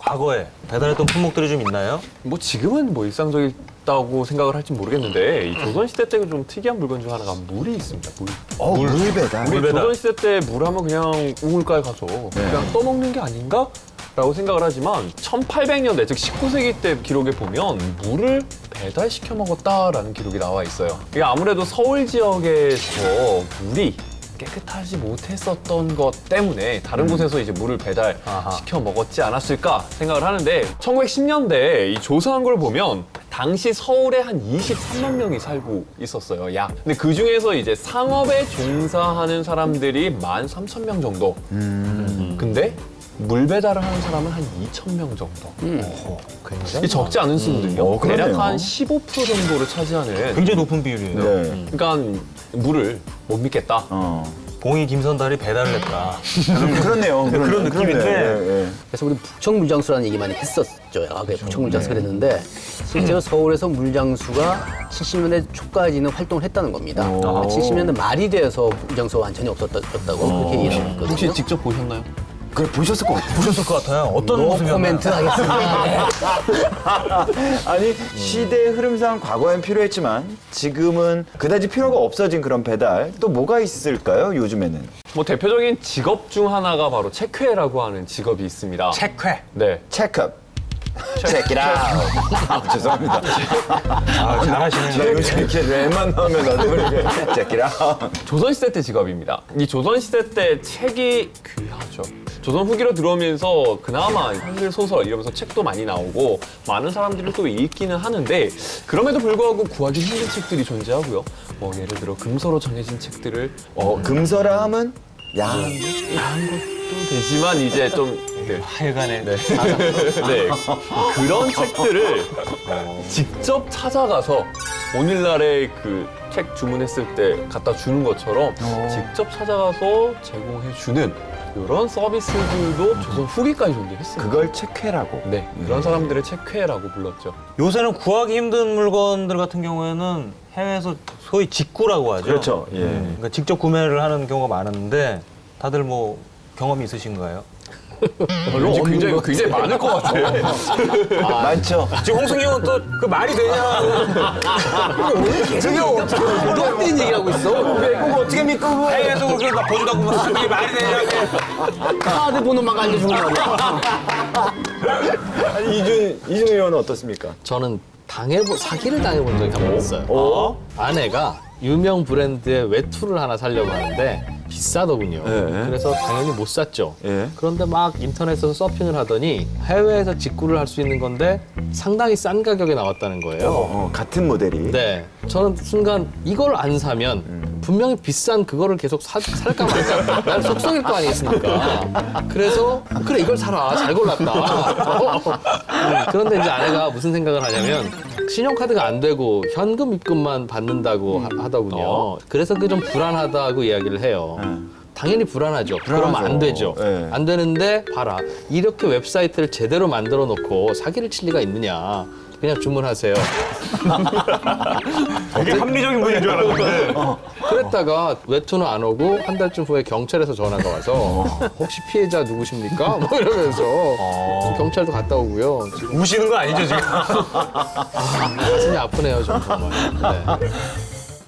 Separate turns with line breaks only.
과거에 배달했던 품목들이 좀 있나요?
뭐 지금은 뭐 일상적이다고 생각을 할지 모르겠는데 이 조선시대 때 좀 특이한 물건 중 하나가 물이 있습니다. 물.
물 배달.
우리
배달.
조선시대 때 물 하면 그냥 우물가에 가서 그냥 떠먹는 게 아닌가? 라고 생각을 하지만 1800년대, 즉 19세기 때 기록에 보면 물을 배달시켜 먹었다라는 기록이 나와 있어요. 이게 아무래도 서울 지역에서 물이 깨끗하지 못했었던 것 때문에 다른 곳에서 이제 물을 배달시켜 먹었지 않았을까 생각을 하는데 1910년대에 이 조사한 걸 보면 당시 서울에 한 23만 명이 살고 있었어요. 약. 근데 그 중에서 이제 상업에 종사하는 사람들이 13,000명 정도. 근데 물 배달을 하는 사람은 한 2,000명 정도. 굉장히 적지 않은 수거든요.
그러네요.
대략 한 15% 정도를 차지하는.
굉장히 높은 비율이에요.
네.
그러니까 물을 못 믿겠다.
봉이 김선달이 배달을 했다.
그렇네요.
그런 느낌인데.
예.
그래서 우리 북청물장수라는 얘기 많이 했었죠. 과거에 북청물장수 그랬는데 실제로 서울에서 물장수가 70년대 초까지는 활동을 했다는 겁니다. 70년대 말이 되어서 물장수가 완전히 없어졌다고 그렇게 얘기를 했거든요.
혹시 직접 보셨나요?
그걸 보셨을 것 같아요.
보셨을 것 같아요. 어떤
노
모습이었나요?
코멘트 하겠습니다.
아니 시대의 흐름상 과거엔 필요했지만 지금은 그다지 필요가 없어진 그런 배달 또 뭐가 있을까요? 요즘에는
뭐 대표적인 직업 중 하나가 바로 체크회라고 하는 직업이 있습니다.
체크회.
네.
체크업. Check it out. 죄송합니다.
아, 잘하시네요.
나 요즘 이렇게 랩만 나오면 나도 모르게 Check it out.
조선시대 때 직업입니다. 이 조선시대 때 책이 귀하죠. 조선 후기로 들어오면서 그나마 한글 소설 이러면서 책도 많이 나오고 많은 사람들이 또 읽기는 하는데 그럼에도 불구하고 구하기 힘든 책들이 존재하고요. 뭐 예를 들어 금서로 정해진 책들을
금서라 함은 야한
야한 것도 되지만 이제 좀 네.
하여간에
네. 네. 그런 책들을 직접 찾아가서 오늘날에 그 책 주문했을 때 갖다 주는 것처럼 직접 찾아가서 제공해주는 이런 서비스들도 조선 후기까지 존재했습니다.
그걸 체크라고.
네, 그런 사람들을 체크회라고 불렀죠.
요새는 구하기 힘든 물건들 같은 경우에는 해외에서 소위 직구라고 하죠.
그렇죠. 예.
그러니까 직접 구매를 하는 경우가 많은데 다들 뭐 경험이 있으신가요?
왠지 굉장히 많을 것 같아요.
많죠.
지금 홍승이 형은 또 그 말이 되냐?
너 어떤 얘기하고 있어?
그거 어떻게 믿고 그거.
해외에서 그렇게 막 보지도 않고 막 그게 말이 되냐?
카드 번호만 알려주고 말이야.
아니, 이준 의원은 어떻습니까?
저는 사기를 당해본 적이 한 번 있어요. 아내가 유명 브랜드의 외투를 하나 사려고 하는데 비싸더군요.
예.
그래서 당연히 못 샀죠.
예.
그런데 막 인터넷에서 서핑을 하더니 해외에서 직구를 할 수 있는 건데 상당히 싼 가격에 나왔다는 거예요.
같은 모델이.
네, 저는 순간 이걸 안 사면 분명히 비싼 그거를 계속 살까 말까 난 속속일 거 아니겠습니까? 그래서 그래 이걸 사라 잘 골랐다. 그런데 이제 아내가 무슨 생각을 하냐면 신용카드가 안 되고 현금 입금만 받는다고 하더군요. 그래서 그게 좀 불안하다고 이야기를 해요. 당연히 불안하죠. 그러면 안 되죠.
네.
안 되는데 봐라. 이렇게 웹사이트를 제대로 만들어 놓고 사기를 칠 리가 있느냐. 그냥 주문하세요.
되게 합리적인 분인 줄 알았는데.
그랬다가 외투는 안 오고 한 달쯤 후에 경찰에서 전화가 와서 혹시 피해자 누구십니까? 뭐 이러면서 경찰도 갔다 오고요. 지금
우시는 거 아니죠 지금?
가슴이 아프네요, 좀 정말. 네.